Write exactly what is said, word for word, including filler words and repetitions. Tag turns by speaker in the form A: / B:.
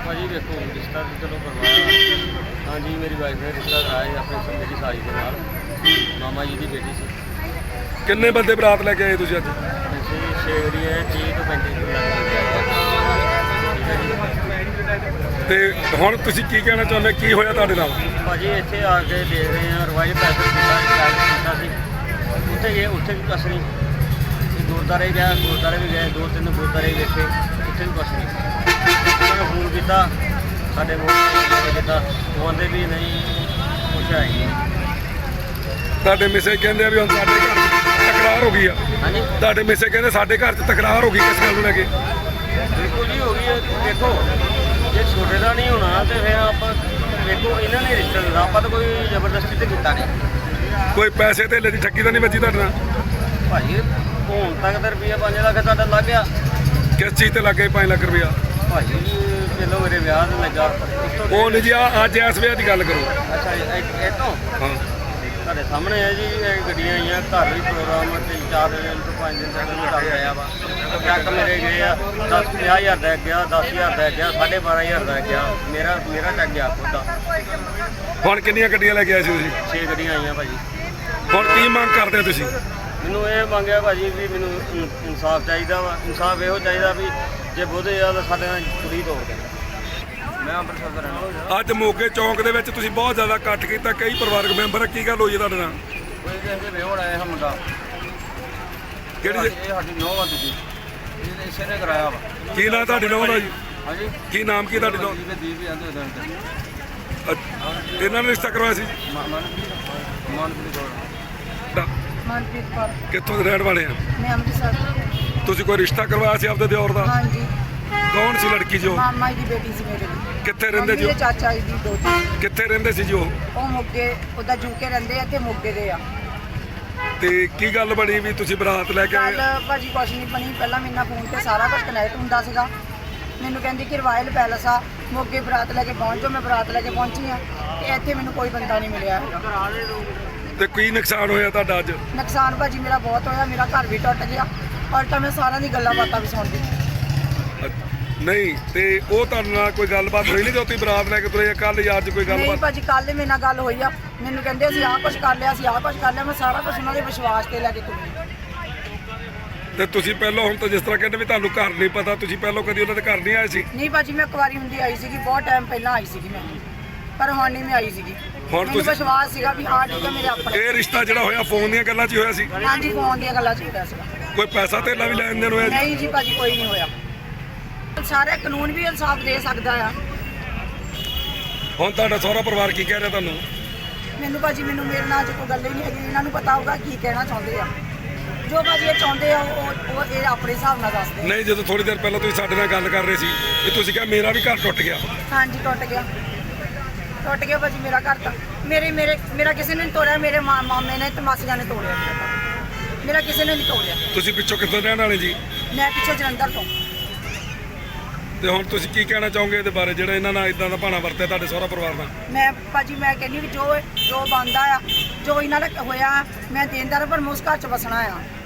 A: भाजी देखो रिश्ता तो चलो करवाया। हाँ जी मेरी वाइफ ने रिश्ता कराया अपने मेरी साली के नाल मामा जी की बेटी सी।
B: किन्ने बंदे बरात लेके आए तुसीं अज?
A: ਅਸੀਂ ਛੇ ਜਿਹੜੀ ਹੈ ਤੀਹ ਤੋਂ ਪੈਂਤੀ ਕਿਲੋ
B: ਤੇ ਹੁਣ ਤੁਸੀਂ ਕੀ ਕਹਿਣਾ ਚਾਹੁੰਦੇ ਕੀ ਹੋਇਆ ਤੁਹਾਡੇ ਨਾਲ?
A: ਭਾਜੀ ਇੱਥੇ ਆ ਕੇ ਦੇਖ ਰਹੇ ਹਾਂ ਰਵਾਇਲ ਪੈਸੇ ਕੀਤਾ ਕੀਤਾ ਸੀ ਉੱਥੇ ਗਏ ਉੱਥੇ ਵੀ ਕੁਛ ਨਹੀਂ ਗੁਰਦੁਆਰੇ ਗਿਆ ਗੁਰਦੁਆਰੇ ਵੀ ਗਏ ਦੋ ਤਿੰਨ ਗੁਰਦੁਆਰੇ ਵੇਖੇ ਉੱਥੇ ਵੀ ਕੁਛ ਨਹੀਂ ਉਹਨਾਂ ਨੇ ਫੋਨ ਕੀਤਾ ਸਾਡੇ ਮੋਬਾਈਲ ਕੀਤਾ ਉਹ ਆਂਦੇ ਵੀ ਨਹੀਂ ਕੁਛ ਹੈ ਨਹੀਂ।
B: ਤੁਹਾਡੇ ਮਿਸੇ ਕਹਿੰਦੇ ਆ ਵੀ ਹੁਣ ਸਾਡੇ ਘਰ ਤਕਰਾਰ ਹੋ ਗਈ ਆ।
A: ਹਾਂਜੀ
B: ਤੁਹਾਡੇ ਮਿਸੇ ਕਹਿੰਦੇ ਸਾਡੇ ਘਰ 'ਚ ਤਕਰਾਰ ਹੋ ਗਈ ਕਿਸ ਗੱਲ ਨੂੰ ਲੈ ਕੇ?
A: ਬਿਲਕੁਲ ਜੀ ਹੋ ਗਈ ਹੈ। ਦੇਖੋ ਜੇ ਛੋਟੇ ਦਾ ਨਹੀਂ ਹੋਣਾ ਤੇ ਫਿਰ ਆਪਾਂ ਦੇਖੋ ਇਹਨਾਂ ਨੇ ਰਿਸ਼ਤਾ ਦਿੱਤਾ ਆਪਾਂ ਤਾਂ ਕੋਈ ਜ਼ਬਰਦਸਤੀ ਤੇ ਕੀਤਾ ਨਹੀਂ।
B: ਕੋਈ ਪੈਸੇ ਧੇਲੇ ਦੀ ਠੱਗੀ ਤਾਂ ਨਹੀਂ ਵੱਜੀ ਤੁਹਾਡੇ ਨਾਲ?
A: ਭਾਜੀ ਹੁਣ ਤੱਕ ਤਾਂ ਰੁਪਈਆ ਪੰਜ ਲੱਖ ਤੁਹਾਡਾ ਲੱਗ ਗਿਆ।
B: ਕਿਸ ਚੀਜ਼ ਤੇ ਲੱਗੇ ਪੰਜ ਲੱਖ ਰੁਪਇਆ?
A: ਭਾਜੀ ਪਹਿਲਾਂ ਮੇਰੇ ਵਿਆਹ ਤੇ ਲੱਗਾ ਉਸ ਤੋਂ
B: ਉਹ ਨਹੀਂ ਜੀ ਆ ਅੱਜ ਇਸ ਵੇਲੇ ਦੀ ਗੱਲ ਕਰੋ।
A: ਅੱਛਾ ਜੀ, ਇਹ ਇਹ ਤੋਂ
B: ਹਾਂ
A: ਤੁਹਾਡੇ ਸਾਹਮਣੇ ਹੈ ਜੀ ਇਹ ਗੱਡੀਆਂ ਆਈਆਂ ਘਰ ਵੀ ਪ੍ਰੋਗਰਾਮ ਤਿੰਨ ਚਾਰ ਦਿਨ ਤੋਂ ਪੰਜ ਦਿਨ ਤੱਕ ਮੈਂ ਚੱਲ ਰਿਹਾ ਵਾ ਚੈੱਕ ਮੇਰੇ ਗਏ ਆ ਦਸ ਪੰਜਾਹ ਹਜ਼ਾਰ ਦਾ ਗਿਆ ਦਸ ਹਜ਼ਾਰ ਦਾ ਗਿਆ ਸਾਢੇ ਬਾਰਾਂ ਹਜ਼ਾਰ ਦਾ ਗਿਆ ਮੇਰਾ ਮੇਰਾ ਚੱਕ ਗਿਆ ਖੁਦ ਦਾ।
B: ਹੁਣ ਕਿੰਨੀਆਂ ਗੱਡੀਆਂ ਲੈ ਕੇ ਆਏ ਸੀ ਤੁਸੀਂ?
A: ਛੇ ਗੱਡੀਆਂ ਆਈਆਂ ਭਾਜੀ।
B: ਹੁਣ ਕੀ ਮੰਗ ਕਰਦੇ ਹੋ ਤੁਸੀਂ?
A: ਮੈਨੂੰ ਇਹ ਮੰਗਿਆ ਭਾਜੀ ਵੀ ਮੈਨੂੰ ਇਨ- ਇਨਸਾਫ ਚਾਹੀਦਾ ਵਾ ਇਨਸਾਫ ਇਹੋ ਚਾਹੀਦਾ ਵੀ ਜੇ ਬੋਧੇ ਆ ਤਾਂ ਸਾਡੇ ਨਾਲ ਕੁੜੀ ਤੋੜ ਦੇ। ਮੈਂ ਅੰਮ੍ਰਿਤਸਰ ਦਾ ਰਹਿਣ ਵਾਲਾ।
B: ਅੱਜ ਮੋਗੇ ਚੌਂਕ ਦੇ ਵਿੱਚ ਤੁਸੀਂ ਬਹੁਤ ਜ਼ਿਆਦਾ ਇਕੱਠ ਕੀਤਾ ਕਈ ਪਰਿਵਾਰਕ ਮੈਂਬਰ ਕੀ ਗੱਲ ਹੋਈ ਹੈ ਤੁਹਾਡੇ ਨਾਲ?
A: ਕੋਈ ਕਿਸੇ ਦੇ ਵਿਹੋੜ ਆਇਆ ਮੁੰਡਾ
B: ਕਿਹੜੀ
A: ਇਹ ਸਾਡੀ ਨੌਂ ਆ ਦੂਜੀ ਇਹਨੇ ਇਸੇ ਨੇ ਕਰਾਇਆ ਵਾ।
B: ਕੀ ਨਾਂ ਤੁਹਾਡੇ ਨਾਲ ਦਾ ਜੀ?
A: ਹਾਂਜੀ
B: ਕੀ ਨਾਮ ਕੀ ਤੁਹਾਡੇ ਨਾਲ?
A: ਦੀਪ ਦੀਪ ਵੀ ਆਂਦੇ ਉਹਦੇ
B: ਅੱਛਾ, ਇਹਨਾਂ ਨੇ ਰਿਸ਼ਤਾ ਕਰਵਾਇਆ ਸੀ?
A: ਮਨਪ੍ਰੀਤ ਮਨਪ੍ਰੀਤ ਕੋਲ
C: ਮਨਪ੍ਰੀਤ ਕੌਰ।
B: ਕਿੱਥੋਂ ਦੇ ਰਹਿਣ ਵਾਲੇ ਆ?
C: ਮੈਂ ਅੰਮ੍ਰਿਤਸਰ ਤੋਂ।
B: ਤੁਸੀਂ ਕੋਈ ਰਿਸ਼ਤਾ ਕਰਵਾਇਆ ਸੀ ਆਪਦੇ ਦਿਓਰ ਦਾ?
C: ਹਾਂਜੀ
B: ਕੌਣ ਸੀ ਲੜਕੀ ਜੋ?
C: ਮਾਮਾ ਜੀ ਦੀ ਬੇਟੀ ਸੀ ਮੇਰੇ ਦੀ।
B: ਕਿੱਥੇ ਰਹਿੰਦੇ
C: ਮੰਮੀ
B: ਜੀ
C: ਦੇ
B: ਉਹ?
C: ਚਾਚਾ ਜੀ ਦੀ ਦੋਤੀ।
B: ਕਿੱਥੇ ਰਹਿੰਦੇ ਸੀ ਜੀ ਉਹ?
C: ਉਹ ਮੋਗੇ ਉਹਦਾ ਜੂਕੇ ਰਹਿੰਦੇ ਆ ਤੇ ਮੋਗੇ ਦੇ ਆ।
B: ਤੇ ਕੀ ਗੱਲ ਬਣੀ ਵੀ ਤੁਸੀਂ ਬਰਾਤ ਲੈ ਕੇ
C: ਕੱਲ
B: ਆਏ?
C: ਭਾਜੀ ਕੁਛ ਨਹੀਂ ਬਣੀ ਪਹਿਲਾਂ ਮੇਰੇ ਨਾਲ ਫੋਨ ਤੇ ਸਾਰਾ ਕੁਝ ਕਨੈਕਟ ਹੁੰਦਾ ਸੀਗਾ। ਮੈਨੂੰ ਕਹਿੰਦੀ ਕਿ ਰਾਇਲ ਪੈਲਸ ਆ ਮੋਗੇ ਬਰਾਤ ਲੈ ਕੇ ਪਹੁੰਚ ਜਾਓ। ਮੈਂ ਬਰਾਤ ਲੈ ਕੇ ਪਹੁੰਚੀ ਆ ਤੇ ਇੱਥੇ ਮੈਨੂੰ ਕੋਈ ਬੰਦਾ ਨਹੀਂ ਮਿਲਿਆ ਹੈਗਾ।
B: ਤੇ ਕੀ ਨੁਕਸਾਨ ਹੋਇਆ ਤੁਹਾਡਾ ਅੱਜ?
C: ਨੁਕਸਾਨ ਭਾਜੀ ਮੇਰਾ ਬਹੁਤ ਹੋਇਆ। ਮੇਰਾ ਘਰ ਵੀ ਟੁੱਟ ਗਿਆ ਔਰ ਤਾਂ ਮੈਂ ਸਾਰਿਆਂ ਦੀ ਗੱਲਾਂ ਬਾਤਾਂ ਵੀ ਸੁਣਦੀ।
B: ਨਹੀਂ ਤੇ ਉਹ ਤੁਹਾਡੇ ਨਾਲ ਕੋਈ ਗੱਲਬਾਤ ਹੋਈ ਨਹੀਂ ਜੋ ਤੁਸੀਂ ਬਰਾਤ ਲੈ ਕੇ ਤੁਰੇ ਕੱਲ ਜਾਂ ਅੱਜ ਕੋਈ
C: ਨਹੀਂ
B: ਗੱਲਬਾਤ?
C: ਭਾਜੀ ਕੱਲ ਮੇਰੇ ਨਾਲ ਗੱਲ ਹੋਈ ਆ। ਮੈਨੂੰ ਕਹਿੰਦੇ ਅਸੀਂ ਆਹ ਕੁਝ ਕਰ ਲਿਆ ਅਸੀਂ ਆਹ ਕੁਝ ਕਰ ਲਿਆ। ਮੈਂ ਸਾਰਾ ਕੁਝ ਉਹਨਾਂ ਦੇ ਵਿਸ਼ਵਾਸ ਤੇ ਲੈ ਕੇ ਤੁਰੀ।
B: ਤੇ ਤੁਸੀਂ ਪਹਿਲਾਂ ਹੁਣ ਤਾਂ ਜਿਸ ਤਰ੍ਹਾਂ ਕਹਿੰਦੇ ਵੀ ਤੁਹਾਨੂੰ ਘਰ ਨਹੀਂ ਪਤਾ ਤੁਸੀਂ ਪਹਿਲਾਂ ਕਦੀ ਉਹਨਾਂ ਦੇ ਘਰ ਨਹੀਂ ਆਏ ਸੀ?
C: ਨਹੀਂ ਭਾਜੀ ਮੈਂ ਕੁਵਾਰੀ ਹੁੰਦੀ ਆਈ ਸੀਗੀ ਬਹੁਤ ਟਾਈਮ ਪਹਿਲਾਂ ਆਈ ਸੀਗੀ ਮੈਂ ਪਰ ਹੁਣ ਨਹੀਂ ਮੈਂ ਆਈ ਸੀਗੀ।
B: ਹੁਣ
C: ਮੈਨੂੰ
B: ਤੁਸੀਂ-
C: ਵਿਸ਼ਵਾਸ ਸੀਗਾ ਵੀ ਹਾਂ ਠੀਕ ਹੈ ਮੇਰੇ ਆਪਣੇ।
B: ਇਹ ਰਿਸ਼ਤਾ ਜਿਹੜਾ ਹੋਇਆ ਫੋਨ ਦੀਆਂ ਗੱਲਾਂ 'ਚ ਹੀ ਹੋਇਆ ਸੀ?
C: ਹਾਂਜੀ ਫੋਨ ਦੀਆਂ ਗੱਲਾਂ ਚਾਹੀਦਾ ਸੀਗਾ।
B: ਕੋਈ ਪੈਸਾ ਧੇਲਾ ਵੀ ਲੈਣ ਦੇਣ ਹੋਇਆ ਜੀ?
C: ਨਹੀਂ ਜੀ ਭਾਜੀ ਕੋਈ ਨਹੀਂ ਹੋਇਆ। ਸਾਰੇ ਕਾਨੂੰਨ ਵੀ ਇਨਸਾਫ ਦੇ ਸਕਦਾ ਆ।
B: ਹੁਣ ਤੁਹਾਡਾ ਸਹੁਰਾ ਪਰਿਵਾਰ ਕੀ ਕਹਿ ਰਿਹਾ ਤੁਹਾਨੂੰ?
C: ਮੈਨੂੰ ਭਾਜੀ ਮੈਨੂੰ ਮੇਰੇ ਨਾਲ ਅੱਜ ਕੋਈ ਗੱਲ ਹੀ ਨਹੀਂ ਹੈਗੀ। ਇਹਨਾਂ ਨੂੰ ਪਤਾ ਹੋਊਗਾ ਕੀ ਕਹਿਣਾ ਚਾਹੁੰਦੇ ਆ। ਜੋ ਭਾਜੀ ਇਹ ਚਾਹੁੰਦੇ ਆ ਉਹ ਉਹ ਇਹ ਆਪਣੇ ਹਿਸਾਬ ਨਾਲ ਦੱਸਦੇ ਆ।
B: ਨਹੀਂ ਜਦੋਂ ਥੋੜੀ ਦੇਰ ਪਹਿਲਾਂ ਤੁਸੀਂ ਸਾਡੇ ਨਾਲ ਗੱਲ ਕਰ ਰਹੇ ਸੀ ਕਿ ਤੁਸੀਂ ਕਿਹਾ ਮੇਰਾ ਵੀ ਘਰ ਟੁੱਟ ਗਿਆ।
C: ਹਾਂਜੀ ਟੁੱਟ ਗਿਆ ਟੁੱਟ ਗਿਆ ਭਾਜੀ ਮੇਰਾ ਘਰ ਤਾਂ। ਮੇਰੇ ਮੇਰੇ ਮੇਰਾ ਕਿਸੇ ਨੇ ਨਹੀਂ ਤੋੜਿਆ। ਮੇਰੇ ਮਾ- ਮਾਮੇ ਨੇ ਤੇ ਮਾਸੀਆਂ ਨੇ ਤੋੜਿਆ ਮੇਰਾ ਘਰ। ਮੇਰਾ ਕਿਸੇ ਨੇ ਨਹੀਂ ਤੋੜਿਆ।
B: ਤੁਸੀਂ ਪਿੱਛੋਂ ਕਿੱਥੋਂ ਰਹਿਣ ਵਾਲੇ ਜੀ?
C: ਮੈਂ ਪਿੱਛੋਂ ਜਲੰਧਰ ਤੋਂ।
B: ਤੇ ਹੁਣ ਤੁਸੀਂ ਕੀ ਕਹਿਣਾ ਚਾਹੋਗੇ ਇਹਦੇ ਬਾਰੇ ਜਿਹੜਾ ਇਹਨਾਂ ਨਾਲ ਇਦਾਂ ਦਾ ਭਾਣਾ ਵਰਤਿਆ ਤੁਹਾਡੇ ਸਹੁਰਾ ਪਰਿਵਾਰ ਨਾਲ?
C: ਮੈਂ ਭਾਜੀ ਮੈਂ ਕਹਿੰਦੀ ਵੀ ਜੋ ਜੋ ਬਣਦਾ ਆ ਜੋ ਇਹਨਾਂ ਦਾ ਹੋਇਆ ਮੈਂ ਦੇਣਦਾਰ ਪਰ ਮੈਂ ਉਸ ਘਰ ਚ ਵਸਣਾ ਆ।